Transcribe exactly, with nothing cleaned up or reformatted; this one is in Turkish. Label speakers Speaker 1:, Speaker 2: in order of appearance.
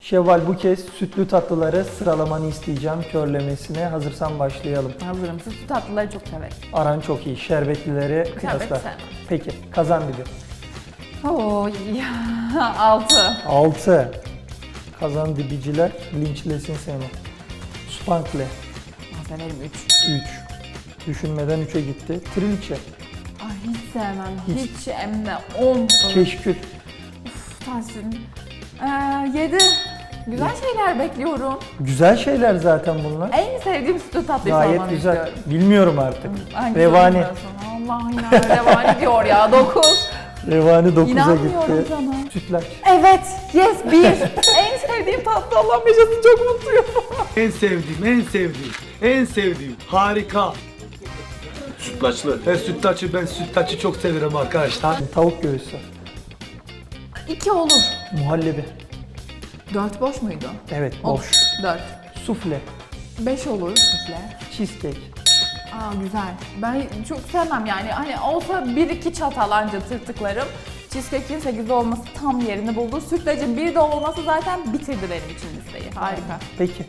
Speaker 1: Şevval, bu kez sütlü tatlıları sıralamanı isteyeceğim körlemesine. Hazırsan başlayalım.
Speaker 2: Hazırım. Sütlü tatlıları çok severim.
Speaker 1: Aran çok iyi. Şerbetlileri kıyasla.
Speaker 2: sevmem.
Speaker 1: Peki, kazan dibi.
Speaker 2: Oo, ya. Altı.
Speaker 1: altı. Kazan dibiciler linçlesin seni. Spankle.
Speaker 2: Ben severim üç.
Speaker 1: üç. Düşünmeden üçe gitti. Trilce.
Speaker 2: Ay hiç sevmem.
Speaker 1: Hiç.
Speaker 2: Hiç, hem de on.
Speaker 1: Keşkül.
Speaker 2: Uf, Tahsin. Ee, yedi. Güzel şeyler bekliyorum.
Speaker 1: Güzel şeyler zaten bunlar.
Speaker 2: En sevdiğim sütlü tatlıyı
Speaker 1: Gayet
Speaker 2: sormanı
Speaker 1: güzel.
Speaker 2: istiyorum.
Speaker 1: Bilmiyorum artık.
Speaker 2: Hangisi
Speaker 1: Revani.
Speaker 2: bilmiyorsun? Allah ya, revani diyor ya. dokuz.
Speaker 1: Revani dokuza
Speaker 2: İnanmıyorum
Speaker 1: gitti.
Speaker 2: sana.
Speaker 1: Sütlaç.
Speaker 2: Evet. Yes. bir. En sevdiğim tatlı, Allah'ım yaşasın, çok mutluyum.
Speaker 3: En sevdiğim, en sevdiğim, en sevdiğim. Harika.
Speaker 4: Sütlaçlı.
Speaker 3: Ve sütlaçı, ben sütlaçı çok severim arkadaşlar.
Speaker 1: Tavuk göğüsü.
Speaker 2: iki olur.
Speaker 1: Muhallebi.
Speaker 2: dört boş muydu?
Speaker 1: Evet,
Speaker 2: Olur.
Speaker 1: boş.
Speaker 2: dört.
Speaker 1: Sufle.
Speaker 2: beş olur sufle.
Speaker 1: Cheesecake.
Speaker 2: Aa güzel. Ben çok sevmem yani. Hani olsa bir iki çatal anca tırtıklarım. Cheesecake'in sekiz olması tam yerini buldu. Sütlacın bir de olması zaten bitirdi benim için listeyi. Harika.
Speaker 1: Peki,